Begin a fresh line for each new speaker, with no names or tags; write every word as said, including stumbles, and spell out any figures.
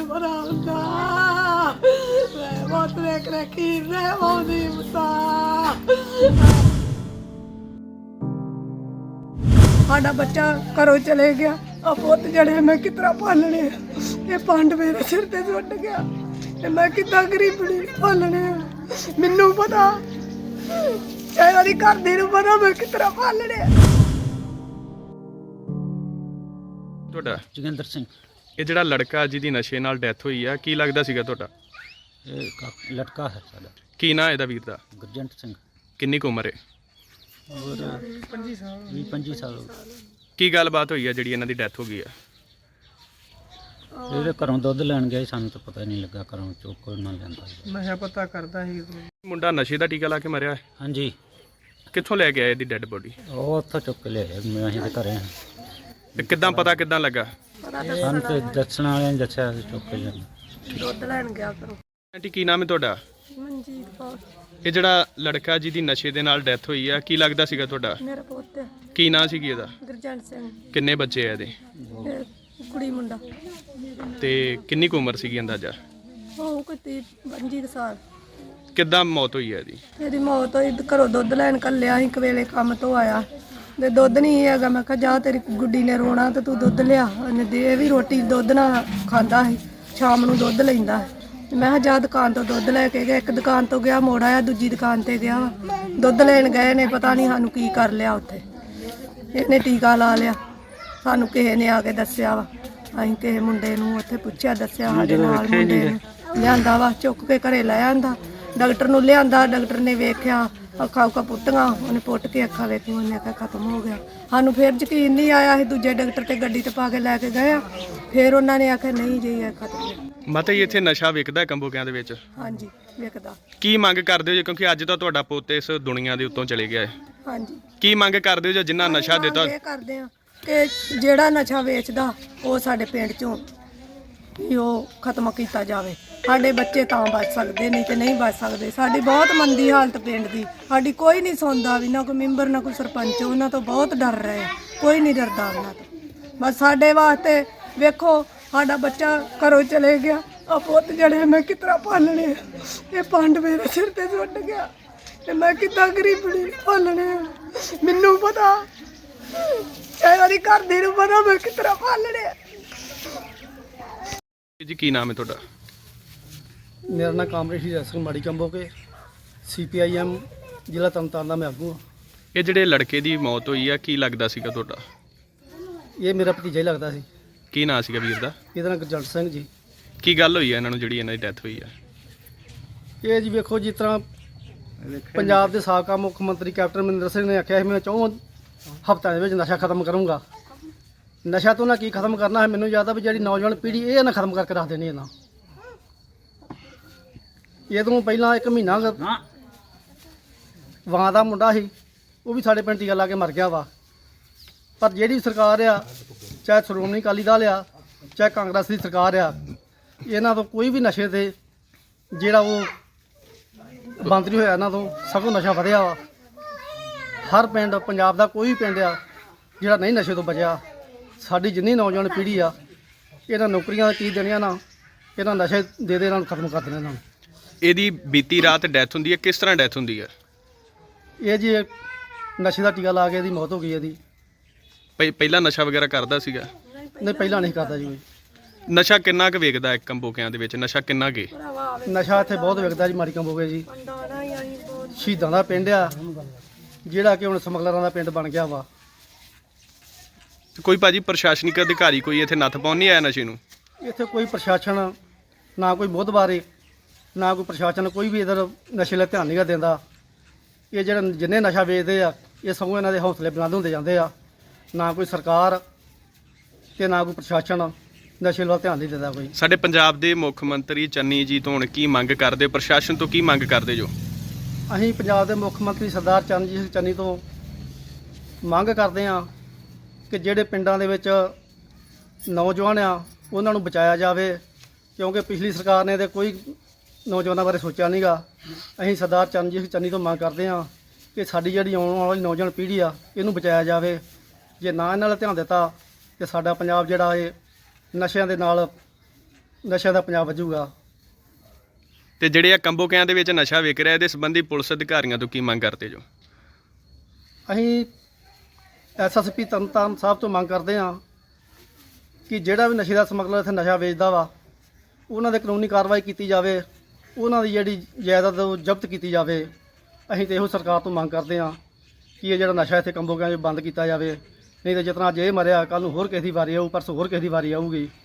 ਮੈਨੂੰ ਪਤਾ ਹੁੰਦਾ ਮੈਂ ਬਹੁਤ ਦੇਖ ਰੱਖੀ ਰਹਿ ਮੋਦੀ ਮਤਾ ਸਾਡਾ ਬੱਚਾ ਘਰੋਂ ਚਲੇ ਗਿਆ ਆ ਪੁੱਤ ਜਿਹੜੇ ਮੈਂ ਕਿਤਰਾ ਪਾਲਣੇ ਇਹ ਪੰਡ ਮੇਰੇ ਸਿਰ ਤੇ ਸੁੱਟ ਗਿਆ ਤੇ ਮੈਂ ਕਿੱਦਾਂ ਗਰੀਬਣੀ ਪਾਲਣੇ ਮੈਨੂੰ ਪਤਾ ਚਾਹੇ ਉਹਦੀ ਘਰ ਦੇ ਨੂੰ ਪਤਾ ਮੈਂ ਕਿਤਰਾ ਪਾਲਣੇ।
ਤੁਹਾਡਾ
ਜੋਗਿੰਦਰ ਸਿੰਘ
ਇਹ ਜਿਹੜਾ ਲੜਕਾ ਜਿਹਦੀ ਨਸ਼ੇ ਨਾਲ ਡੈਥ ਹੋਈ ਆ ਕੀ ਲੱਗਦਾ ਸੀਗਾ ਤੁਹਾਡਾ?
ਇਹ ਕਾ- ਲੜਕਾ ਹੈ ਸਾਡਾ
ਕੀ ਨਾਂ ਇਹਦਾ ਵੀਰ ਦਾ?
ਗੁਰਜੰਟ ਸਿੰਘ
ਕਿੰਨੀ ਕੁ ਉਮਰ ਹੈ?
ਔਰ ਪੰਜੀ ਸਾਲ ਵੀਹ ਪੰਜੀ ਸਾਲ ਹੋ ਗਏ।
ਕੀ ਗੱਲਬਾਤ ਹੋਈ ਆ ਜਿਹੜੀ ਇਹਨਾਂ ਦੀ ਡੈਥ ਹੋ ਗਈ ਆ?
ਇਹਦੇ ਘਰੋਂ ਦੁੱਧ ਲੈਣ ਗਏ ਸਾਨੂੰ ਤਾਂ ਪਤਾ ਨਹੀਂ ਲੱਗਾ ਘਰੋਂ ਚੁੱਕ ਕੋਈ ਨਾ ਲੈਂਦਾ।
ਨਸ਼ਾ ਪਤਾ ਕਰਦਾ ਸੀ
ਮੁੰਡਾ ਨਸ਼ੇ ਦਾ ਟੀਕਾ ਲਾ ਕੇ ਮਰਿਆ ਹੈ।
ਹਾਂਜੀ
ਕਿੱਥੋਂ ਲੈ ਕੇ ਆਏ ਇਹਦੀ ਡੈੱਡ ਬੋਡੀ?
ਉਹ ਉੱਥੋਂ ਚੁੱਕ ਕੇ ਲਿਆਏ ਮੈਂ ਅਸੀਂ ਦੇ ਘਰੇ ਹਾਂ।
ਤੇ ਕਿੱਦਾਂ ਪਤਾ ਕਿੱਦਾਂ ਲੱਗਾ?
ਸਾਨੂੰ ਤੇ ਦੱਸਣ ਵਾਲਿਆਂ ਨੇ ਦੱਸਿਆ ਅਸੀਂ ਚੁੱਕ ਕੇ ਲਿਆਏ।
ਦੁੱਧ ਲੈਣ ਗਿਆ ਕਰੋ।
ਆਂਟੀ ਕੀ ਨਾਮ ਹੈ ਤੁਹਾਡਾ?
ਮਨਜੀਤ ਕੌਰ
ਇਹ ਜਿਹੜਾ ਲੜਕਾ ਜਿਹਦੀ ਨਸ਼ੇ ਦੇ ਨਾਲ ਡੈਥ ਹੋਈ ਆ ਕੀ ਲੱਗਦਾ ਸੀਗਾ ਤੁਹਾਡਾ?
ਮੇਰਾ ਪੁੱਤ ਹੈ,
ਕੀ ਨਾਂ ਸੀਗੀ ਇਹਦਾ?
ਗੁਰਜੰਟ ਸਿੰਘ
ਕਿੰਨੇ ਬੱਚੇ ਆ ਇਹਦੇ?
ਇਹ ਕੁੜੀ ਮੁੰਡਾ
ਤੇ ਕਿੰਨੀ ਕੁ ਉਮਰ ਸੀਗੀ ਅੰਦਾਜ਼ਾ?
ਉਹ ਕੋਈ ਪੰਜੀ ਕੁ ਸਾਲ।
ਕਿੱਦਾਂ ਮੌਤ ਹੋਈ ਆ ਇਹਦੀ?
ਇਹਦੀ ਮੌਤ ਹੋਈ ਘਰੋਂ ਦੁੱਧ ਲੈਣ ਕੱਲਿਆ ਸੀ ਕਵੇਲੇ ਕੰਮ ਤੋਂ ਆਇਆ ਤੇ ਦੁੱਧ ਨਹੀਂ ਹੈਗਾ। ਮੈਂ ਕਿਹਾ ਜਾ ਤੇਰੀ ਗੁੱਡੀ ਨੇ ਰੋਣਾ ਤੇ ਤੂੰ ਦੁੱਧ ਲਿਆ। ਉਹਨੇ ਦੇ ਵੀ ਰੋਟੀ ਦੁੱਧ ਨਾਲ ਖਾਂਦਾ ਸੀ, ਸ਼ਾਮ ਨੂੰ ਦੁੱਧ ਲੈਂਦਾ ਸੀ। ਮੈਂ ਕਿਹਾ ਜਾ ਦੁਕਾਨ ਤੋਂ ਦੁੱਧ ਲੈ ਕੇ ਗਿਆ। ਇੱਕ ਦੁਕਾਨ ਤੋਂ ਗਿਆ ਮੋੜ ਆਇਆ, ਦੂਜੀ ਦੁਕਾਨ ਤੇ ਗਿਆ ਦੁੱਧ ਲੈਣ ਗਏ ਨੇ ਪਤਾ ਨਹੀਂ ਸਾਨੂੰ ਕੀ ਕਰ ਲਿਆ ਉੱਥੇ। ਇਹਨੇ ਟੀਕਾ ਲਾ ਲਿਆ, ਸਾਨੂੰ ਕਿਸੇ ਨੇ ਆ ਕੇ ਦੱਸਿਆ ਵਾ। ਅਸੀਂ ਕਿਸੇ ਮੁੰਡੇ ਨੂੰ ਉੱਥੇ ਪੁੱਛਿਆ, ਦੱਸਿਆ ਸਾਡੇ ਨਾਲ ਮੁੰਡੇ ਨੂੰ ਲਿਆਂਦਾ ਵਾ, ਚੁੱਕ ਕੇ ਘਰੇ ਲੈ ਆਂਦਾ। ਡਾਕਟਰ ਨੂੰ ਲਿਆਂਦਾ, ਡਾਕਟਰ ਨੇ ਵੇਖਿਆ ਅੱਖਾਂ ਉੱਖਾਂ ਪੁੱਟੀਆਂ, ਉਹਨੇ ਪੁੱਟ ਕੇ ਅੱਖਾਂ ਵੇਖੀਆਂ, ਉਹਨੇ ਆਖਿਆ ਖਤਮ ਹੋ ਗਿਆ। ਸਾਨੂੰ ਫਿਰ ਯਕੀਨ ਨਹੀਂ ਆਇਆ, ਅਸੀਂ ਦੂਜੇ ਡਾਕਟਰ ਤੇ ਗੱਡੀ ਤੇ ਪਾ ਕੇ ਲੈ ਕੇ ਗਏ ਆ। ਫਿਰ ਉਹਨਾਂ ਨੇ ਆਖਿਆ ਨਹੀਂ ਜੀ ਇਹ ਖਤਮ ਹੋ ਗਿਆ।
ਮਾਤਾ ਜੀ ਇੱਥੇ ਨਸ਼ਾ ਵਿਕਦਾ ਕੰਬੋਕਿਆਂ ਦੇ ਵਿੱਚ?
ਹਾਂਜੀ ਵਿਕਦਾ।
ਕੀ ਮੰਗ ਕਰਦੇ ਹੋ ਜੀ? ਕਿਉਂਕਿ ਅੱਜ ਤਾਂ ਤੁਹਾਡਾ ਪੁੱਤ ਇਸ ਦੁਨੀਆ ਦੇ ਉੱਤੋਂ ਚਲੇ ਗਿਆ ਹੈ।
ਹਾਂਜੀ
ਕੀ ਮੰਗ ਕਰਦੇ ਹੋ ਜੀ ਜਿੰਨਾ ਨਸ਼ਾ ਦਿੱਤਾ?
ਇਹ ਕਰਦੇ ਆ ਕਿ ਜਿਹੜਾ ਨਸ਼ਾ ਵੇਚਦਾ ਉਹ ਸਾਡੇ ਪਿੰਡ ਚੋਂ ਵੀ ਉਹ ਖਤਮ ਕੀਤਾ ਜਾਵੇ। ਸਾਡੇ ਬੱਚੇ ਤਾਂ ਬਚ ਸਕਦੇ ਨਹੀਂ ਤੇ ਨਹੀਂ ਬਚ ਸਕਦੇ। ਸਾਡੀ ਬਹੁਤ ਮੰਦੀ ਹਾਲਤ ਪਿੰਡ ਦੀ, ਸਾਡੀ ਕੋਈ ਨਹੀਂ ਸੁਣਦਾ ਵੀ, ਨਾ ਕੋਈ ਮੈਂਬਰ ਨਾ ਕੋਈ ਸਰਪੰਚ। ਉਹਨਾਂ ਤੋਂ ਬਹੁਤ ਡਰ ਰਹੇ, ਕੋਈ ਨਹੀਂ ਡਰਦਾ ਉਹਨਾਂ ਤੋਂ। ਬਸ ਸਾਡੇ ਵਾਸਤੇ ਵੇਖੋ ਸਾਡਾ ਬੱਚਾ ਘਰੋਂ ਚਲੇ ਗਿਆ ਆ ਪੁੱਤ ਜਿਹੜੇ ਮੈਂ ਕਿਤਰਾ ਪਾਲਣੇ ਇਹ ਪੰਡ ਮੇਰੇ ਸਿਰ ਤੇ ਸੁੱਟ ਗਿਆ ਤੇ ਮੈਂ ਕਿੱਦਾਂ ਗਰੀਬਣੀ ਪਾਲਣੇ। ਮੈਨੂੰ ਪਤਾ ਚਾਹੇ ਉਹਦੀ ਘਰ ਦੇ ਨੂੰ ਪਤਾ ਮੈਂ ਕਿਤਰਾ ਪਾਲਣੇ।
ਜੀ ਕੀ ਨਾਮ ਹੈ ਤੁਹਾਡਾ?
ਮੇਰਾ ਨਾਮ ਕਾਮਰੇਡ ਹੀਰਾ ਸਿੰਘ ਮਾੜੀ ਕੰਬੋਕੇ, ਸੀ ਪੀ ਆਈ ਐਮ ਜ਼ਿਲ੍ਹਾ ਤਰਨਤਾਰਨ ਦਾ ਮੈਂ ਆਗੂ ਹਾਂ।
ਇਹ ਜਿਹੜੇ ਲੜਕੇ ਦੀ ਮੌਤ ਹੋਈ ਆ ਕੀ ਲੱਗਦਾ ਸੀਗਾ ਤੁਹਾਡਾ?
ਇਹ ਮੇਰਾ ਭਤੀਜਾ ਹੀ ਲੱਗਦਾ ਸੀ।
ਕੀ ਨਾਂ ਸੀਗਾ ਵੀਰ ਦਾ?
ਇਹਦਾ ਨਾਮ ਗੁਰਜੰਟ ਸਿੰਘ ਜੀ।
ਕੀ ਗੱਲ ਹੋਈ ਆ ਇਹਨਾਂ ਨੂੰ ਜਿਹੜੀ ਇਹਨਾਂ ਦੀ ਡੈਥ ਹੋਈ ਆ?
ਇਹ ਜੀ ਵੇਖੋ, ਜਿਸ ਤਰ੍ਹਾਂ ਪੰਜਾਬ ਦੇ ਸਾਬਕਾ ਮੁੱਖ ਮੰਤਰੀ ਕੈਪਟਨ ਅਮਰਿੰਦਰ ਸਿੰਘ ਨੇ ਆਖਿਆ ਸੀ ਮੈਂ ਚੌਂ ਹਫ਼ਤਿਆਂ ਦੇ ਵਿੱਚ ਨਸ਼ਾ ਖਤਮ ਕਰੂੰਗਾ। ਨਸ਼ਾ ਤੋਂ ਨਾ ਕੀ ਖਤਮ ਕਰਨਾ ਹੈ, ਮੈਨੂੰ ਯਾਦ ਆ ਵੀ ਜਿਹੜੀ ਨੌਜਵਾਨ ਪੀੜ੍ਹੀ ਇਹ ਨਾ ਖਤਮ ਕਰਕੇ ਰੱਖ ਦੇਣੀ ਇਹਨਾਂ। ਇਹ ਤੋਂ ਪਹਿਲਾਂ ਇੱਕ ਮਹੀਨਾ ਵਾਂ ਦਾ ਮੁੰਡਾ ਸੀ, ਉਹ ਵੀ ਸਾਡੇ ਪਿੰਡ ਟੀਕਾ ਲਾ ਕੇ ਮਰ ਗਿਆ ਵਾ। ਪਰ ਜਿਹੜੀ ਸਰਕਾਰ ਆ, ਚਾਹੇ ਸ਼੍ਰੋਮਣੀ ਅਕਾਲੀ ਦਲ ਆ, ਚਾਹੇ ਕਾਂਗਰਸ ਦੀ ਸਰਕਾਰ ਆ, ਇਹਨਾਂ ਤੋਂ ਕੋਈ ਵੀ ਨਸ਼ੇ ਤੇ ਜਿਹੜਾ ਉਹ ਬੰਦ ਨਹੀਂ ਹੋਇਆ। ਇਹਨਾਂ ਤੋਂ ਸਗੋਂ ਨਸ਼ਾ ਵਧਿਆ ਵਾ। ਹਰ ਪਿੰਡ ਪੰਜਾਬ ਦਾ ਕੋਈ ਵੀ ਪਿੰਡ ਆ ਜਿਹੜਾ ਨਹੀਂ ਨਸ਼ੇ ਤੋਂ ਬਚਿਆ। ਸਾਡੀ ਜਿੰਨੀ ਨੌਜਵਾਨ ਪੀੜ੍ਹੀ ਆ, ਇਹਨਾਂ ਨੌਕਰੀਆਂ ਕੀ ਦੇਣੀਆਂ ਨਾ, ਇਹਨਾਂ ਨਸ਼ੇ ਦੇ ਦੇ ਇਹਨਾਂ ਨੂੰ ਖਤਮ ਕਰ ਦੇਣਾ ਇਹਨਾਂ ਨੂੰ।
ਇਹਦੀ ਬੀਤੀ ਰਾਤ ਡੈਥ ਹੁੰਦੀ ਹੈ, ਕਿਸ ਤਰ੍ਹਾਂ ਡੈਥ ਹੁੰਦੀ ਹੈ?
ਇਹ ਜੀ ਨਸ਼ੇ ਦਾ ਟੀਕਾ ਲਾ ਕੇ ਇਹਦੀ ਮੌਤ ਹੋ ਗਈ। ਇਹਦੀ
ਪਹਿ- ਪਹਿਲਾਂ ਨਸ਼ਾ ਵਗੈਰਾ ਕਰਦਾ ਸੀਗਾ?
ਨਹੀਂ ਪਹਿਲਾਂ ਨਹੀਂ ਕਰਦਾ ਜੀ ਕੋਈ।
ਨਸ਼ਾ ਕਿੰਨਾ ਕੁ ਵੇਚਦਾ ਹੈ ਕੰਬੋਕਿਆਂ ਦੇ ਵਿੱਚ? ਨਸ਼ਾ ਕਿੰਨਾ ਕੁ?
ਨਸ਼ਾ ਇੱਥੇ ਬਹੁਤ ਵਿਕਦਾ ਜੀ। ਮਾੜੀ ਕੰਬੋਗੇ ਜੀ ਸ਼ਹੀਦਾਂ ਦਾ ਪਿੰਡ ਆ, ਜਿਹੜਾ ਕਿ ਹੁਣ ਸਮਗਲਰਾਂ ਦਾ ਪਿੰਡ ਬਣ ਗਿਆ ਵਾ।
ਕੋਈ ਭਾਜੀ ਪ੍ਰਸ਼ਾਸਨਿਕ ਅਧਿਕਾਰੀ ਕੋਈ ਇੱਥੇ ਨੱਥ ਪਾਉਣ ਨਹੀਂ ਆਇਆ ਨਸ਼ੇ ਨੂੰ?
ਇੱਥੇ ਕੋਈ ਪ੍ਰਸ਼ਾਸਨ ਨਾ ਕੋਈ ਮੋਹਤਬਾਰੇ ਨਾ ਕੋਈ ਪ੍ਰਸ਼ਾਸਨ ਕੋਈ ਵੀ ਇਧਰ ਨਸ਼ੇ ਵੱਲ ਧਿਆਨ ਨਹੀਂ ਦਿੰਦਾ। ਇਹ ਜਿਹੜੇ ਜਿੰਨੇ ਨਸ਼ਾ ਵੇਚਦੇ ਆ ਇਹ ਸਗੋਂ ਇਹਨਾਂ ਦੇ ਹੌਸਲੇ ਬੁਲੰਦ ਹੁੰਦੇ ਜਾਂਦੇ ਆ। ਨਾ ਕੋਈ ਸਰਕਾਰ ਤੇ ਨਾ ਕੋਈ ਪ੍ਰਸ਼ਾਸਨ ਨਸ਼ੇ ਵੱਲ ਧਿਆਨ ਨਹੀਂ ਦਿੰਦਾ ਕੋਈ।
ਸਾਡੇ ਪੰਜਾਬ ਦੇ ਮੁੱਖ ਮੰਤਰੀ ਚੰਨੀ ਜੀ ਤੋਂ ਹੁਣ ਕੀ ਮੰਗ ਕਰਦੇ? ਪ੍ਰਸ਼ਾਸਨ ਤੋਂ ਕੀ ਮੰਗ ਕਰਦੇ ਜੋ?
ਅਸੀਂ ਪੰਜਾਬ ਦੇ ਮੁੱਖ ਮੰਤਰੀ ਸਰਦਾਰ ਚਰਨਜੀਤ ਸਿੰਘ ਚੰਨੀ ਤੋਂ ਮੰਗ ਕਰਦੇ ਹਾਂ ਕਿ ਜਿਹੜੇ ਪਿੰਡਾਂ ਦੇ ਵਿੱਚ ਨੌਜਵਾਨ ਆ ਉਹਨਾਂ ਨੂੰ ਬਚਾਇਆ ਜਾਵੇ, ਕਿਉਂਕਿ ਪਿਛਲੀ ਸਰਕਾਰ ਨੇ ਤੇ ਕੋਈ ਨੌਜਵਾਨਾਂ ਬਾਰੇ ਸੋਚਿਆ ਨਹੀਂਗਾ। ਅਸੀਂ ਸਰਦਾਰ ਚਰਨਜੀਤ ਸਿੰਘ ਚੰਨੀ ਤੋਂ ਮੰਗ ਕਰਦੇ ਹਾਂ ਕਿ ਸਾਡੀ ਜਿਹੜੀ ਆਉਣ ਵਾਲੀ ਨੌਜਵਾਨ ਪੀੜ੍ਹੀ ਆ ਇਹਨੂੰ ਬਚਾਇਆ ਜਾਵੇ। ਜੇ ਨਾ ਇਹਨਾਂ ਵੱਲ ਧਿਆਨ ਦਿੱਤਾ ਤੇ ਸਾਡਾ ਪੰਜਾਬ ਜਿਹੜਾ ਇਹ ਨਸ਼ਿਆਂ ਦੇ ਨਾਲ ਨਸ਼ਿਆਂ ਦਾ ਪੰਜਾਬ ਵੱਜੂਗਾ।
ਤੇ ਜਿਹੜੇ ਆ ਕੰਬੋਕਿਆਂ ਦੇ ਵਿੱਚ ਨਸ਼ਾ ਵਿਕ ਰਿਹਾ, ਇਹਦੇ ਸੰਬੰਧੀ ਪੁਲਿਸ ਅਧਿਕਾਰੀਆਂ ਤੋਂ ਕੀ ਮੰਗ ਕਰਦੇ ਜੋ?
ਅਸੀਂ S S P Tarn Taran Sahib ਤੋਂ ਮੰਗ ਕਰਦੇ ਹਾਂ ਕਿ ਜਿਹੜਾ ਵੀ ਨਸ਼ੇ ਦਾ ਸਮਗਲਰ ਇੱਥੇ ਨਸ਼ਾ ਵੇਚਦਾ ਵਾ ਉਹਨਾਂ ਦੇ ਕਾਨੂੰਨੀ ਕਾਰਵਾਈ ਕੀਤੀ ਜਾਵੇ, ਉਹਨਾਂ ਦੀ ਜਿਹੜੀ ਜਾਇਦਾਦ ਉਹ ਜ਼ਬਤ ਕੀਤੀ ਜਾਵੇ। ਅਸੀਂ ਤਾਂ ਇਹੋ ਸਰਕਾਰ ਤੋਂ ਮੰਗ ਕਰਦੇ ਹਾਂ ਕਿ ਇਹ ਜਿਹੜਾ ਨਸ਼ਾ ਇੱਥੇ ਕੰਬੋਕਿਆਂ 'ਚ ਬੰਦ ਕੀਤਾ ਜਾਵੇ, ਨਹੀਂ ਤਾਂ ਜਿਤਨਾ ਅੱਜ ਇਹ ਮਰਿਆ ਕੱਲ੍ਹ ਨੂੰ ਹੋਰ ਕਿਸੇ ਦੀ ਵਾਰੀ ਆਊ, ਪਰਸੋਂ ਹੋਰ ਕਿਸੇ ਦੀ ਵਾਰੀ ਆਊਗੀ।